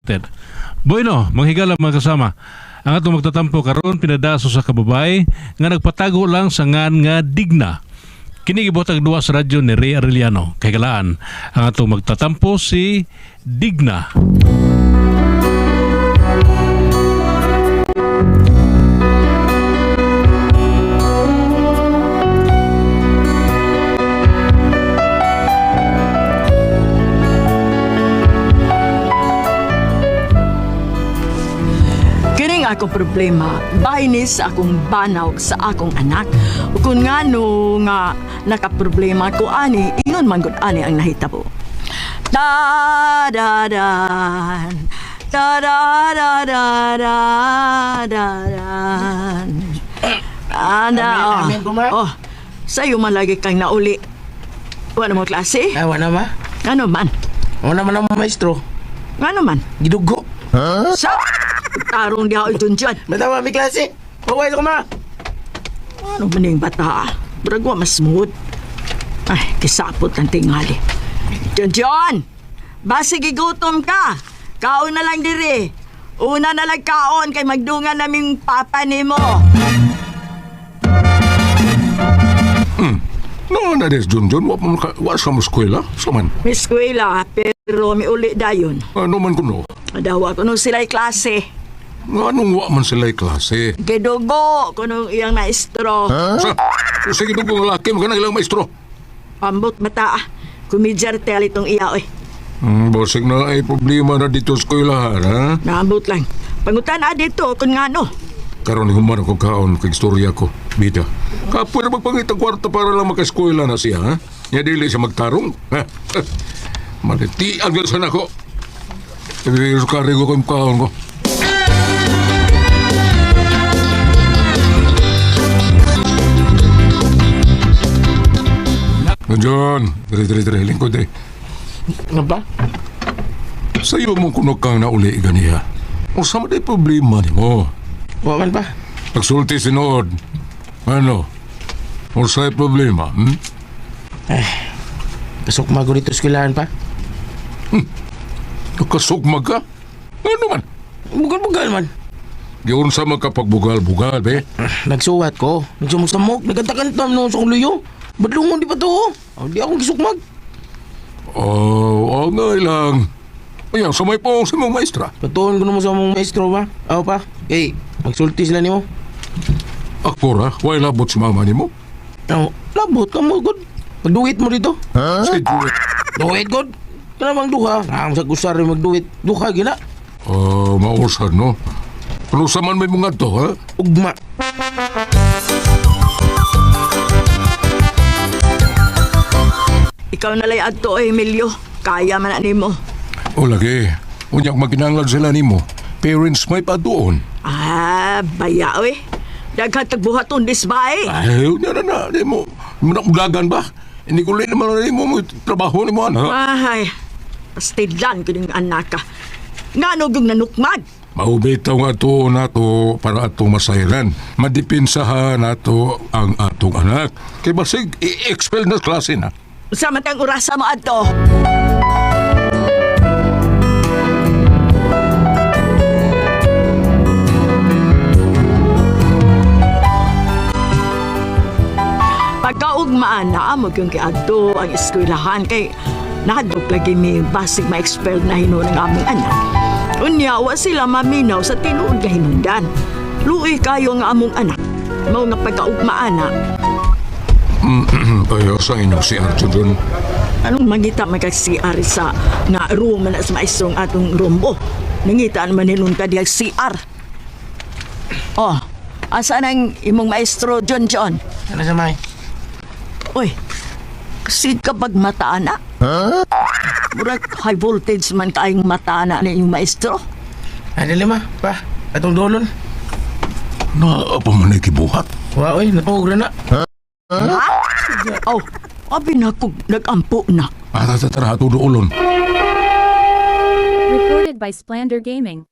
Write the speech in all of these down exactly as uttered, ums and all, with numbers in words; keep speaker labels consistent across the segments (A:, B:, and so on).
A: suspected. Bueno, manghigala mga kasama. Ang atong magtatampo karon pinadaso sa kababay nga nagpatago lang sa ngan nga Digna. Kini gibotag duwa sa radyo ni Ray Arellano. Kay galaan ang atong magtatampo si Digna.
B: Akong problema, bahinis akong banaw sa akong anak. Kung nga no nga nakaproblema ko ani, ingon man gud ani ang nahitabo. Da da da da da da da da da da Ana, oh,
C: amin, amin,
B: oh, sa'yo man lagi kang nauli. Wala mo klase?
C: Ah, wala ma.
B: Ano man?
C: Wala man ang maestro.
B: Ano man?
C: Gidugo.
B: Sa tarong di ako dun dyan.
C: Matawa, may klase. Pawais ko ma.
B: Ano man yung bata? Bragwa mas smooth. Ay, kisapot ng tingali. John John! Basi gigutom ka. Kaon na lang diri. Una na lang kaon kay magdungan naming papa ni mo.
D: Hmm. No, na des John John, wa pa wa sa mo eskwela, saman.
B: Miss Kuela, pero mi uli dayon.
D: Ano man kuno?
B: Adawa ko nung sila'y klase.
D: Anong wa man sila'y klase?
B: Gidugo ko nung iyang maestro.
D: Sa, sige dugo ng laki, magana ilang maestro.
B: Ambot mata ah. Kumidjar tel itong iya oy.
D: Hmm, bosig na ay problema na dito sa eskwelahan, ha?
B: Naambot lang. Pangutan na dito kung nga no.
D: Karon human ako kaon kay istorya ko, bida. Kapoy na magpangita kwarta para lang maka-eskwela na siya, ha? Nya dili siya magtarong, ha? Maliti ang gasan ako. Pero karigo ko yung kaon ko. John, dali, dali, dali, lingkod eh.
C: Ano ba?
D: Sa'yo mo kuno kang nauli ganiya. O sama day problema ni mo.
C: Waman pa.
D: Nagsulti sinood. Ano? O sa'y problema, hmm?
C: Kasok mago dito eskwelahan pa.
D: Nakasugmag ka? Ano man?
C: Bugal-bugal man.
D: Yun sa magkapagbugal-bugal, be.
C: Nagsuwat ko. Nagsamusamok. Nagkanta-kantam noon sa kuluyo. Badlungon di pa to. Oh, di akong gisukmag.
D: Oh, oh, ngay lang. Ayan, sa may pong si mong maestra.
C: Patuon ko naman sa mong maestro ba? Ako pa. Eh, magsulti sila ni mo.
D: Akpura, why labot si mama ni mo?
C: Oh, labot ka mo, good. Magduwit mo dito.
D: Si Juliet.
C: Duwit, good. Kanamang duha. Ang sa kusar magduwit. Duha, gina.
D: Oh, mausad, no? Ano sa man may mga to, ha?
C: Ugma.
B: Ikaw na lay adto oy Emilio. Kaya man na nimo.
D: O lagi, unyak maginanglan sila ni mo. Parents may pa doon.
B: Ah, baya oy. Daghan tagbuhaton disbay.
D: Ay, na na na, di mo. Manakulagan ba? Hindi ko rin naman na mo mo trabaho ni mo, ano?
B: Ay, pastilan ko ng anak ka. Nga no yung nanukmag.
D: Maubitaw nga to na to para atong masayran. Madipinsahan na to ang atong anak. Kaya basig, i-expel na klase na.
B: Samantang urasa mo adto. Pagkaugmaan na mo yung kay adto ang eskwelahan kay nadok lagi mi basig ma-expel na hinon ng aming anak. Unyawa sila maminaw sa tinuod nga hinundan. Luoy kayo nga among anak. Mao nga pagkaugmaan na.
D: Ayaw sa inyo si Archie dun.
B: Anong mangita magka-C R sa nga room na sa maestro ang atong rumbo? Nangita naman nilunta diya C R. Oh, asa nang imong maestro John John?
C: Ano sa may?
B: Uy, kasi kapag mataan na? Huh? Murag high voltage man kaayong mataan na yung maestro.
C: Ano lima, pa? Atong dolon?
D: Na, apa man ay kibuhat?
C: Wow, eh, natawag na na.
B: Ha? Oh, abi na kog nagampo na.
D: Ah, tatara, tudo ulon.
E: Recorded by Splander Gaming.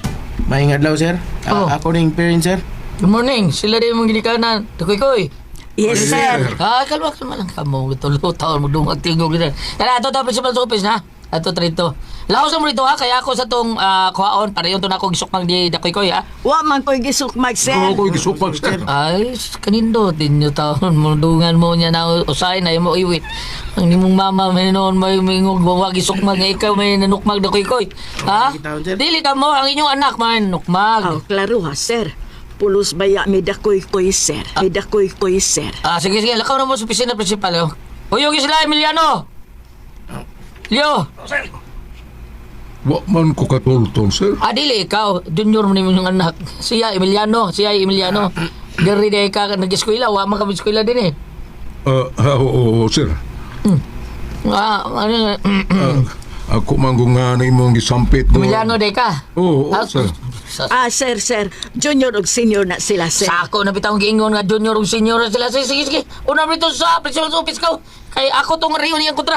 C: Maing adlaw, sir.
F: Oh.
C: A- ako ning parent, sir.
F: Good morning. Sila din mong ginikanan. Tukoy-koy.
B: Yes, sir.
C: Ah, kalma, kalma lang ka mo. Tulo taon mo dumag tingog nila. Kaya ato to principal sa office na. Ato trito. Laos mo rito ha, kaya ako sa tong uh, kuhaon para yung to na akong gisukmang di dakoy-koy ha.
B: Wa man ko'y gisukmag, sir.
D: Oo, ko gisupag, sir.
C: Ay, kanindo din yung taon mo dungan mo niya na usay na mo iwit. Ang nimong mama may noon may mingog wag gisukmag nga ikaw may nanukmag dakoy-koy. Ha? Dili ka mo ang inyong anak man nukmag.
B: Oh, klaro ha, sir. Pulos baya mi dakoy-koy, sir. Mi dakoy-koy, sir.
C: Ah, sige, sige. Lakaw na mo sa opisina principal, yo. Uyog sila, Emiliano! Leo!
D: Wa man ko katultol, sir.
C: Ah, dili, ikaw. Junior mo naman yung anak. Siya, Emiliano. Siya, Emiliano. Dari de ka nag-eskwela. Wa man kami eskwela din eh.
D: Ah, ah, oo, oo, sir.
C: Ah, ano,
D: Ah, ako manggo nga na imong gisampit mo.
C: Emiliano de ka.
D: Oo, oo,
C: Ah,
D: sir.
C: Sa,
B: Ah, sir, sir. Junior ug senior na sila, sir.
C: Sako na bitang giingon nga junior ug senior na sila. Sige, sige, sige. Una rito sa principal office ko. Kay ako tong riyo niyang kontra.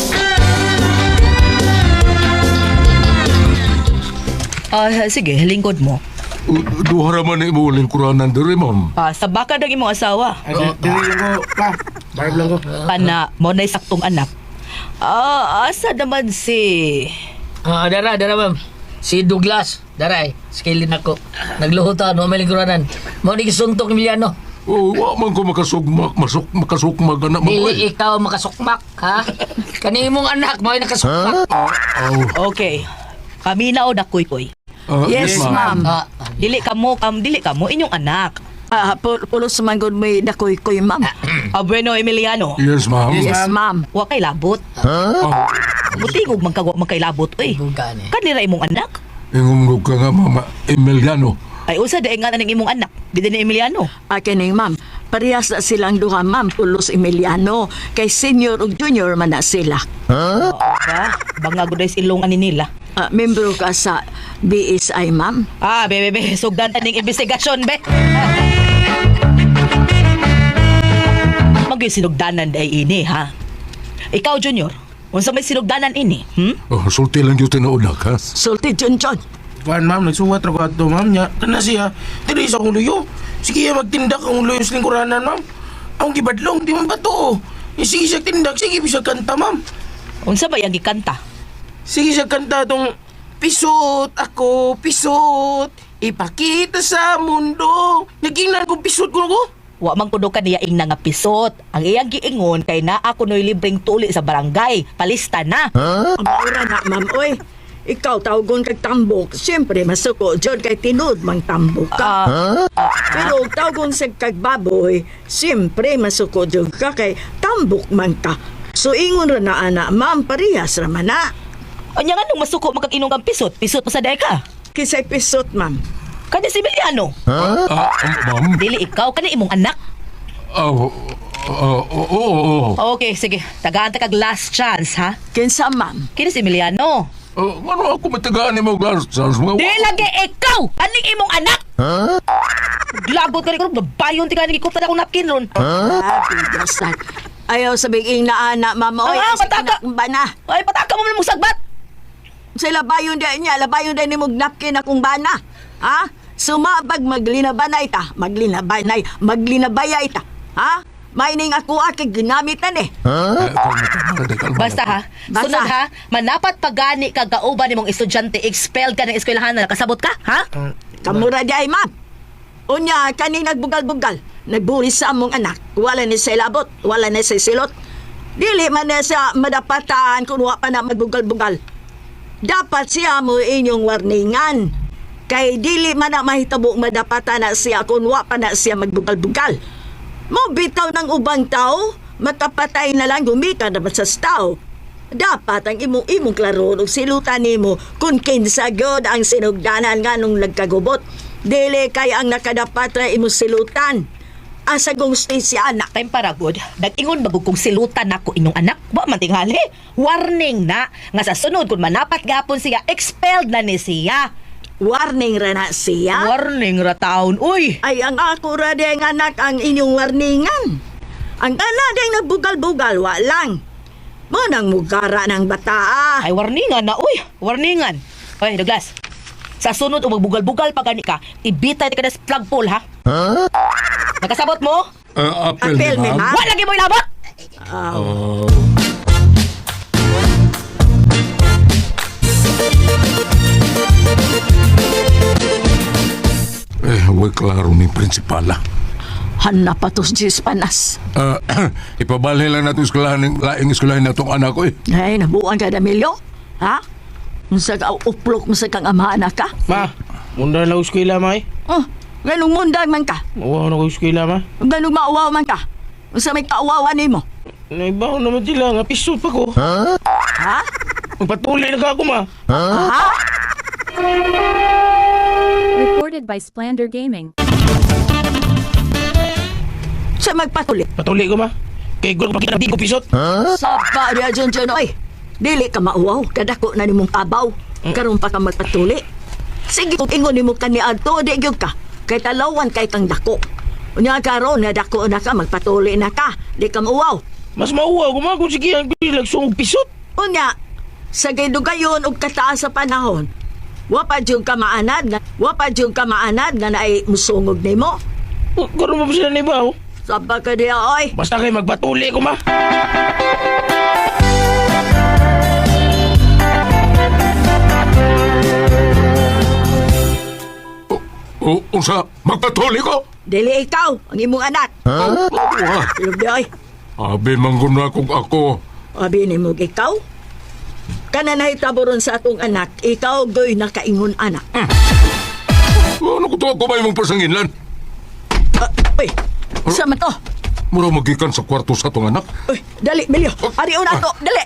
F: Ah, sige, lingkod mo.
D: U- Duha raman na imo lingkuranan diri, ma'am.
F: Ah, sa baka dag imong asawa.
C: Dili
G: lang ko, pa. Barb lang ko.
F: Kana mo na saktong anak. Ah, asa naman si
C: Ah, dara, dara ma'am. Si Douglas, daray, skillin ako. Nagluhutan, no may lingkuranan. Mo ni gisuntok ni Emiliano.
D: Oo, wa man ko makasugmak, masuk, makasukmag anak mo.
C: Dili ikaw makasukmak, ha? Kani mong anak mo ay nakasukmak.
F: Okay. Kami na o dakoy-koy.
D: Ah,
B: Yes, ma'am.
C: Ah,
F: Dili ka mo, kam dili ka mo inyong anak.
B: Ah, pul- pulos man gud may dakoy-koy, ma'am.
F: Ah, bueno, Emiliano.
D: Yes, ma'am.
B: Yes, ma'am.
F: Wa kay labot.
D: Ah,
F: Butingog man kagwa man kay labot oy.
C: bukan eh.
F: Kanira imong anak.
D: ingumrog ka nga, mama. Emiliano.
F: Ay usa dae nga ning imong anak. Di ni Emiliano.
B: Akin ma'am. Parehas na silang duha, ma'am. Pulos Emiliano. Kay senior ug junior man na sila.
F: Ba, bangag gud silong ani nila.
B: Ah, membro ka sa B S I, ma'am.
F: Ah, be be be, sugdan ta ning investigasyon be. Magay sinugdanan day ini ha. Ikaw Junior, unsa may sinugdanan ini? Hmm?
D: Oh, sulti lang yung tinaunak, ha?
B: Sulti Junjun.
G: Kuan ma'am, nagsuwat ra ko ato ma'am nya. Kana siya, dili sa akong luyo. Sige ya magtindak ang luyo sa lingkuranan ma'am. Ang gibadlong di man ba to? Eh, sige siya tindak, sige bisa kanta ma'am.
F: Unsa ba yang gikanta?
G: Sige siya kanta tong pisot ako, pisot. Ipakita sa mundo. Nagingnan ko pisot ko ko.
F: Wa man kuno kaniya ing nga pisot. Ang iyang giingon kay naa ako noy libreng tuli sa barangay. Palista na.
B: Ang ura na, ma'am. Oy, ikaw tawgon kag tambok. Siyempre, masuko. Diyon kay tinud mang tambok ka.
F: Ah,
B: Pero tawgon sa kag baboy, siyempre masuko diyon ka kay tambok man ka. So ingon ra na ana, ma'am, parehas ra man na.
F: anya nga nung masuko magkag-inong kang pisot. Pisot pa sa day ka.
B: Kisay pisot, ma'am.
F: Kani si Emiliano.
D: Ah, ma'am.
F: Dili ikaw kani imong anak.
D: Ah, oo, oo, oo, oo.
F: Okay, sige. Tagaan ta kag last chance ha.
B: Kinsa, ma'am?
F: Kini si Emiliano.
D: Ah, ano ako matagaan ni mo, Lars? Mga
F: Di lagi ikaw! Aning imong anak! Labot ka rin ko, babayon ti ka nagikutan akong napkin ron.
B: Ah, bigasan. Ayaw sabihin na ana, ma'am. Oy,
F: Ah,
B: sa
F: mataka.
B: anak ba na?
F: Ay, pataka mo mo sagbat!
B: Sa labayon din niya, labayon din ni mong napkin akong bana. Ha? Sumabag maglinabanay ta, maglinabanay, maglinabayay ta. Ha? May ning ako akig ginamitan eh.
F: Basta ha,
B: Basta.
F: sunod ha, manapat pagani ka gauban nimong estudyante, expelled ka ng eskwelahan na nakasabot ka, ha?
B: Kamura di ay, ma'am. Unya, kani nagbugal-bugal. Nagbuli sa among anak. Wala ni sa labot, wala ni sa silot. Dili man na siya madapatan kung wa pa na magbugal-bugal. Dapat siya mo inyong warningan. Kay dili man na mahitabo madapatan na siya kung wa pa na siya magbugal-bugal. Mo bitaw ng ubang tao, makapatay na lang gumika na sa tao. Dapat ang imong imong klaro ug silutan nimo kung kinsa gyud ang sinugdanan nga nung nagkagubot. Dili kay ang nakadapat ra imong silutan. Asa gusti si anak.
F: Time para good, nag-ingon bagog kong silutan nako inyong anak, wa man tingali. Warning na, nga sa sunod kung manapat gapon siya, expelled na ni siya.
B: Warning ra na siya.
F: Warning ra taon, uy!
B: Ay ang ako ra ding anak ang inyong warningan. Ang kana ding nagbugal-bugal wa lang. Mo nang mugara ng bata.
F: Ay, warningan na, uy! Warningan! Oy, Douglas, sa sunod o magbugal-bugal pa gani ka, ibitay ka na sa flagpole, ha? Nakasabot mo?
D: Ah, apel,
B: Apel,
D: ni
B: ni
D: ma'am.
B: ma'am.
F: Wala lagi mo ilabot!
D: Oh. Eh, huwag klaro ni Prinsipala.
B: Hanap pa tos Diyos panas.
D: Ah, ipabali lang natin eskwelahan ng laing eskwelahan na itong anak ko eh.
B: Ay, nabuang ka na, Emilio? Ha? Unsa ka uplok mo sa kang amahan ka?
G: Ma, munda lang eskwela, ma eh.
B: Oh, ganong mundag man ka.
G: Uwa na ko eskwela, ma.
B: Ganong mauwaw man ka. Unsa may kauwawan nimo?
G: Naibaw naman sila nga, pisot pa ko.
B: Ha?
G: Magpatuloy na ka ako, ma.
B: Ha?
E: Recorded by Splander Gaming.
B: Sa magpatuloy.
G: Patuloy ko, ma. Kay gulo pa kita ko pisot.
B: Sa pa diya dyan dyan, oy. Dili ka mauwaw. Kadako na nimong kabaw. Karoon pa ka magpatuli. Sige, kung ingon nimo ka ni Adto, di gyud ka. Kay talawan kay kang dako. Unya karon na dako na ka, magpatuli na ka. Di ka mauwaw.
G: Mas mauwa ko, ma, kung sige ang lagsong pisot.
B: Unya, sa gidugayon og kataas sa panahon, wapa jud ka maanad nga, wapa jud ka maanad nga naay musungog nimo.
G: Karoon mo pa sila naibaw.
B: Saba ka diya, oy.
G: Basta kayo magpatuloy ko, ma.
D: O, unsa, magpatuloy ko?
B: Dili ikaw, ang imong anak.
D: Ha? Wah,
B: Ilog di, oy.
D: abi manggun na kung ako.
B: Abi ni mo ikaw? Kana nahitaboron sa atong anak, ikaw goy nakaingon anak.
D: Ano ko to ako ba yung pasanginlan?
B: Ah, uy, sa man to?
D: Mura magikan sa kwarto sa atong anak.
B: Uy, dali, Melio. Ari una to, dali.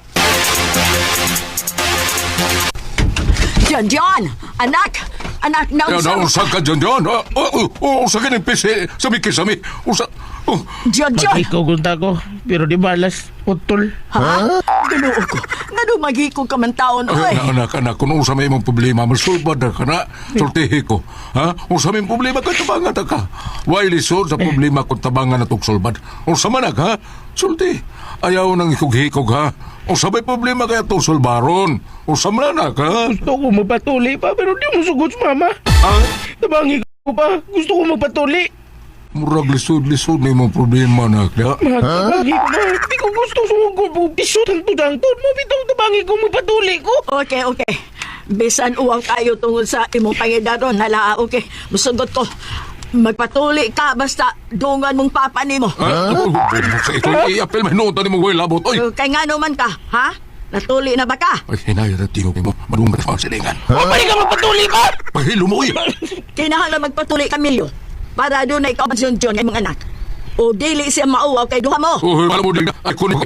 B: Diyan, diyan. Anak, anak na
D: Ya,
B: unsa.
D: na, unsa ka dyan dyan? Ah, oh, oh, unsa ka ng pisi, sami kisami. Unsa, oh,
B: Diyan, diyan.
G: Ikaw gunta ko, pero di balas, utol.
B: Ha? Ganuo ko. Nga dumagi ko ka man taon,
D: ay,
B: oy.
D: na, anak, anak, kung unsa may imong problema, masulbad na ka na, sultihi ko. Ha? Unsa may problema, kung tabangan na ka. Why lisod sa problema kung tabangan na itong sulbad? Unsa manak, ha? Sulti. Ayaw nang ikog-hikog, ha? Unsa may problema kaya itong sulbaron? Unsa manak, ha?
G: Gusto ko magpatuloy pa, pero di mo sugod sa mama.
D: Ha?
G: Tabangi ko pa, gusto ko magpatuloy.
D: Murag lisod-lisod na imong problema, anak. Ha?
G: Tabangi ko ma, di ko gusto sumugod mo. Pisot ang tudang-tod mo, bitong tabangi ko magpatuloy ko.
B: Okay, okay. Bisan uwang kayo tungod sa imong pangidaron. Hala, okay. Musugot ko. Magpatuli ka basta dungan mong papa nimo.
D: Ha? Sa ito, i-apel, may nota ni mong way labot. Oy!
B: Kay nga naman ka, ha? Natuli na ba ka?
D: Ay, hinay na tingog mo. Madungan sa silingan.
G: Mapali ka magpatuloy pa!
D: Pahilo mo, uy!
B: Kinahanglan magpatuli ka, Milyo. Para doon na ikaw magsyon-syon ay mga anak. O dili siya mauwaw kay duha mo.
D: Uy, alam mo din na. Ay, kunin ko.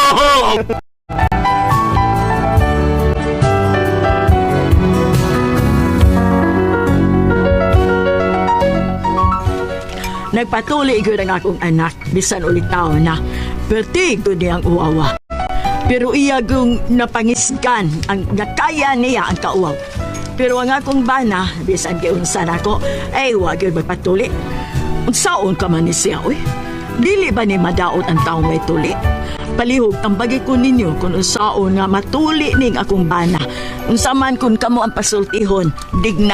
B: Nagpatuli ko ng akong anak, bisan ulit tao na. Perti ko niyang uwawa. Pero iya kong napangisgan ang nakaya niya ang kauwaw. Pero ang akong bana, bisan giunsan ako, ay wag yun magpatuli. Unsaon ka man ni siya, uy? Dili ba ni madaot ang taong may tuli? Palihog ang bagi ko ninyo kung unsaon nga matuli ning akong bana. Unsa man kung kamo ang pasultihon, digna.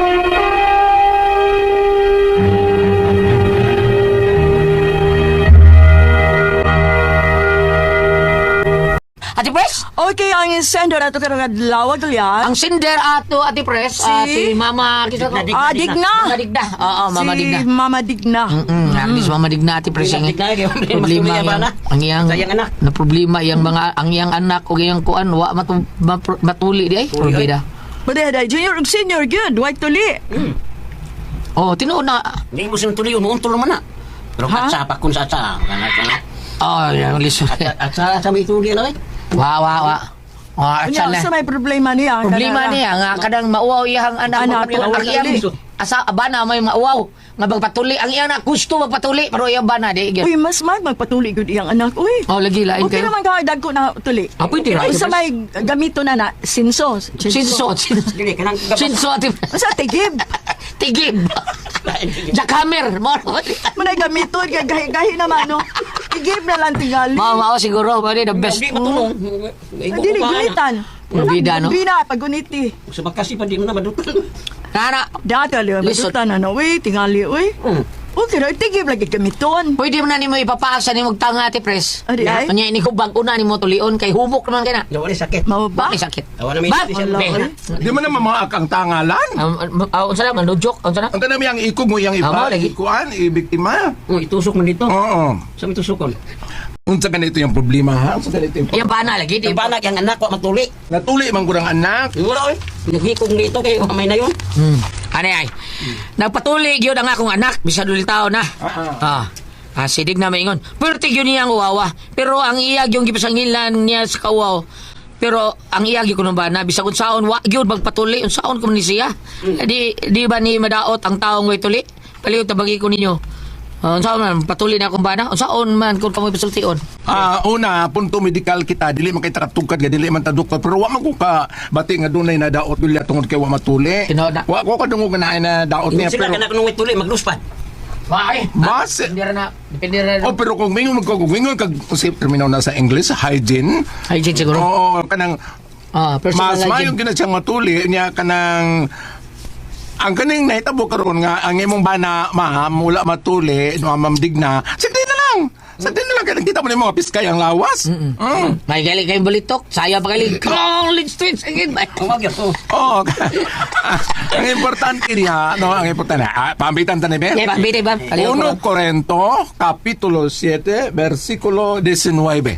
C: Ate Pres?
B: Okay, ang sender ato karong adlaw
C: Ang
B: yan.
C: sinder ato, Ate Pres, ah,
B: Si-
C: si Mama... Kisa,
B: Ah, Digna.
C: Mama Digna. Oo, Mama
B: si
C: Digna.
B: Mama Digna.
C: Mm, at least Mama Digna, Ate Pres. Ang problema yang, ang iyang,
H: anak.
C: na problema yang mga, ang iyang anak o iyang kuan, wa matu, mapro- matuli di ay. Problema.
B: Pwede, junior ug senior, good. White tuli.
C: Oh, tinuod na.
H: Hindi mo silang tuloy, umuuntol naman na. Pero
B: Ha?
H: katsa pa kung sa sa.
C: Oh, yung lisod.
H: At sa sa may tuloy na eh.
C: Wa, wa, wa. Oh, at
B: Unya,
C: sana.
B: sa may problema niya.
C: Problema
B: kanara.
C: niya nga kadang mauwaw iyang anak
B: Anak,
C: magpatuli. Ang iyang
H: magpatuli.
C: asa bana may mauwaw nga magpatuli. Ang iyang anak gusto magpatuli pero iyang bana di.
B: Uy, mas mag magpatuli gud iyang anak. Uy.
C: Oh, lagi lain
B: Okay
C: kayo.
B: naman ka dagko na tuli.
H: Ah, pwede ra.
B: Uy, sa may gamito na na, sinso.
C: Sinso, sinso.
H: Dili kanang
C: Sinso ati.
B: Sa tigib.
C: Tigib. Jackhammer. Mo.
B: Manay gamito, gahi-gahi naman, no? Tigib na lang tingali.
C: Mao mao siguro pwede the best.
H: Di matulong.
B: Hindi, gunitan.
C: Bida, no?
B: Bida, paguniti.
H: Sa bakasi pa di mo na madutol.
C: Nana.
B: Dati, ali,
C: Lisod.
B: madutan na na, uy, tingali, uy.
H: Hmm.
B: Okay ra, tigib lagi gamiton.
C: Pwede mo na ni mo ipapaasa ni magtanga ati pres.
B: Adi ay?
C: Kanya ini ko bag una ni mo tulion kay humok naman kay na.
H: Yawa ni sakit.
B: Mao ba?
C: Bakit sakit?
H: Awa na may
C: Ba?
H: special
B: Wala,
H: day.
B: oy.
D: Di man naman mga akang tangalan.
C: Um, uh, unsa na man joke, unsa na?
D: Ang tanami ang ikog mo yung
C: Amo,
D: iba,
C: lagi.
D: ikuan, ibiktima.
H: Oh, itusok man dito.
D: Oo.
H: Sa may tusukon.
D: Unsa ganito yung problema ha? Unsa ganito yung
C: Yang bana lagi di
H: Yung banak yung anak ko matuli.
D: Natuli man kurang anak.
H: Wala oy. Naghikong dito kay may na yun.
C: Hmm. Ano ay? Nagpatuloy yun ang akong anak, bisag ulit tao na. Ah. Ah, sidig na maingon. Pertig yun niya ang uwawa. Pero ang iyag yung gipasangilan niya sa kawaw. Pero ang iyag yung kunong bana, bisag unsaon, wa yun magpatuloy, unsaon ko ni siya. Eh, Di, di ba ni madaot ang taong way tuli? Paliw tabagi ko ninyo. Uh, unsaon man, patuloy na akong bana? Unsaon man kung kamoy pasultion?
D: Ah, una, punto medikal kita, dili man kay takatugkad nga dili man ta doktor, pero wa man ko ka bati nga dunay na daot bilya tungod kay wa matuli.
C: Tinood na.
D: Wa ko kadungog na na daot niya
H: Sila
D: pero
H: kanak nung ituli magluspad.
C: Why?
D: Mas-
C: Depende rin na. Depende rin na.
D: Oh, pero kung mingon ko kung mingon kag usip terminaw na sa English, hygiene.
C: Hygiene siguro.
D: Oo, kanang
C: Ah, personal
D: mas mayo
C: hygiene.
D: gina siyang matuli niya kanang ang kaning nahitabo karon nga ang imong bana ma'am mula matuli no mamdig na sige na lang sa din na lang kaya kita mo ni mga piskay ang lawas. Mm.
C: May galing kayong balitok. Saya pa galing. College streets again.
H: Ang wag yun. Oh.
D: Oo. Ang importante niya, no, ang importante, ah, pambitan ta ni Ben.
C: Yeah, pambili ba? Kaliw ko
D: uno
C: lang.
D: Corinto, Kapitulo seven, versikulo nineteen.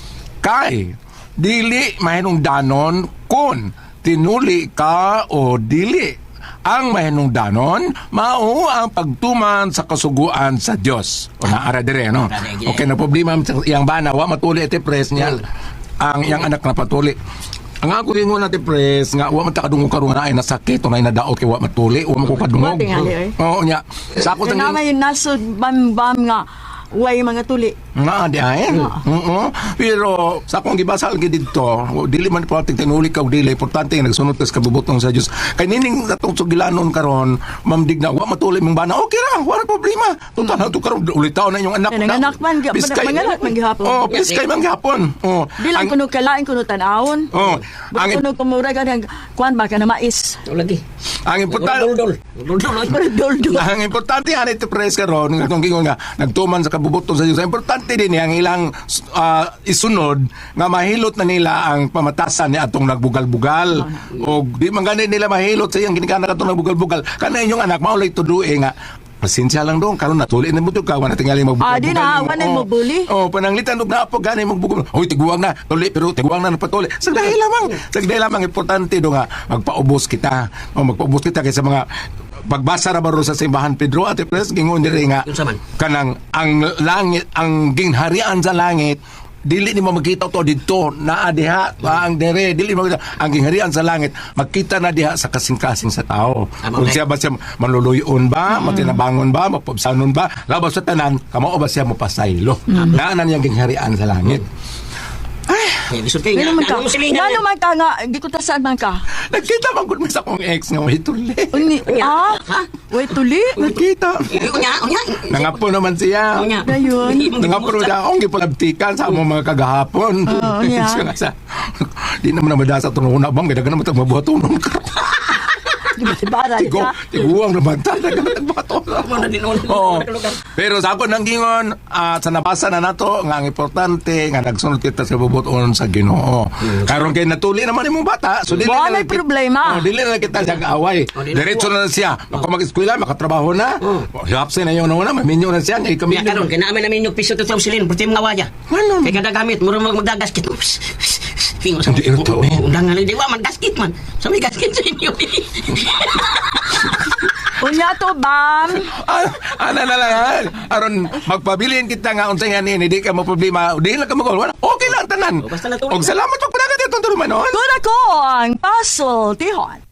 D: Kay, dili mahinong danon kun tinuli ka o dili. Ang mahinong danon, mao ang pagtuman sa kasuguan sa Dios. O naara dire, no? Okay, na problema sa iyang bana, wa matuli iti pres niya. Ang iyang anak na patuli. Ang ako rin nga natin pres, nga wa man takadungog karon nga ay nasakit, o na nadaot kay wa matuli, wa man ko kadungog.
B: Wa tingali, eh.
D: Oo niya. Sa ako
B: Kaya
D: tangin,
B: may nasod bam-bam nga way mga tuli.
D: nga di ay. Oo. Pero sa akong gibasa lagi dito, dili man pati tinuli ka o dili, importante nga nagsunod ka sa kabubutong sa Dios. Kay nining atong sugilanon karon, mamdig na wa matuli mong bana. Okay ra, wala problema. Tunta na to karon ulit taon na yung anak.
B: Kaya nanganak man, ga- manganak man gihapon.
D: Oh, piskay man gihapon. Oh.
B: Di lang
D: Ang-
B: kuno kalain kuno tanawon.
D: Oh,
B: Ang
D: ang
B: kuno kumura ka ng kuan ba ka na mais.
H: Ito lagi.
D: ang importante
H: Dol-dol. Dol-dol.
B: Dol-dol.
D: ang importante yan ito pres karon nga tong gingon nga nagtuman sa kabubutong sa Dios. Ang importante din ang ilang ah, isunod nga mahilot na nila ang pamatasan ni atong nagbugal-bugal. O di man gani nila mahilot sa iyang ginikana katong nagbugal-bugal. Kana inyong anak maulay tudue nga pasensya lang dong karon natuli na mo to ka wala tingali magbugal.
B: Ah, di na, wala mo bully.
D: Oh, pananglitan og naapo gani magbugol. Hoy tiguang na, tuli pero tiguang na napatuli. Sagday lamang. Sagday lamang importante do nga magpaubos kita. O magpaubos kita kay sa mga pagbasa ra baro sa simbahan Pedro at Pres gingon diri nga
H: Unsa man?
D: kanang ang langit ang gingharian sa langit dili ni mo makita to dito naa diha ang dere dili mo makita ang gingharian sa langit makita na diha sa kasing-kasing sa tao.
H: Tama,
D: Kung
H: okay.
D: siya ba siya manluluyon ba, matinabangon ba, mapabsanon ba, labas sa tanan, kamao ba siya mapasaylo. Naa na niyang gingharian sa langit.
H: Eh, bisod kayo.
B: Ngano man ka?
H: Ano mo silingan
B: Ngano
H: niya?
B: man ka nga gikutasan man ka?
D: Nagkita man gud mi sa akong ex nga may tuli.
B: Uni, ah? Way tuli?
D: Nagkita.
H: Eh, Unya, unya.
D: Nangapo naman siya.
H: Unya.
B: Dayon.
D: Nangapo naman siya akong gipalabtikan sa among mga kagahapon.
B: Oo, yeah.
D: Siya nga sa- Di naman na madasa ito nung una bang, kaya naman ito mabuhatunong ka.
B: Bara
D: Tigo,
B: ka.
D: tiguang naman tayo, nagbahatunong.
H: Ano na din ako.
D: Oo. Pero sa ako nang gingon, ah, sa nabasa na nato, nga ang importante, nga nagsunod kita sa bubuton sa Ginoo. Karon kay natuli naman imong bata, so dili
B: Wala
D: na lang kit-
B: problema.
D: Oh, dili na lang kita sa away.
H: Oh, di na
D: Diretso
H: po.
D: na lang siya. Ako mag-eskwela, makatrabaho na. Oh. Hapsin na yun na una, maminyo na siya. Ngay kami.
H: Kaya karon, kaya namin namin yung piso ito sa silin, pati mga waya.
D: Ano?
H: Kaya kada gamit, mura mag magdagasket. Pingo sa
D: Hindi, ito, eh.
H: undangan lang, di ba, maggasket man. Sa may gasket sa inyo.
B: Unya to, bam.
D: Ah, ana na lang ha. Aron magpabilin kita nga unsay nga ni, di ka mo problema. Di lang ka magol. Okay lang tanan.
H: Oh, basta natulog
D: Og
H: na.
D: salamat pag panagat itong tulumanon.
B: Kuna ko ang puzzle, tihon.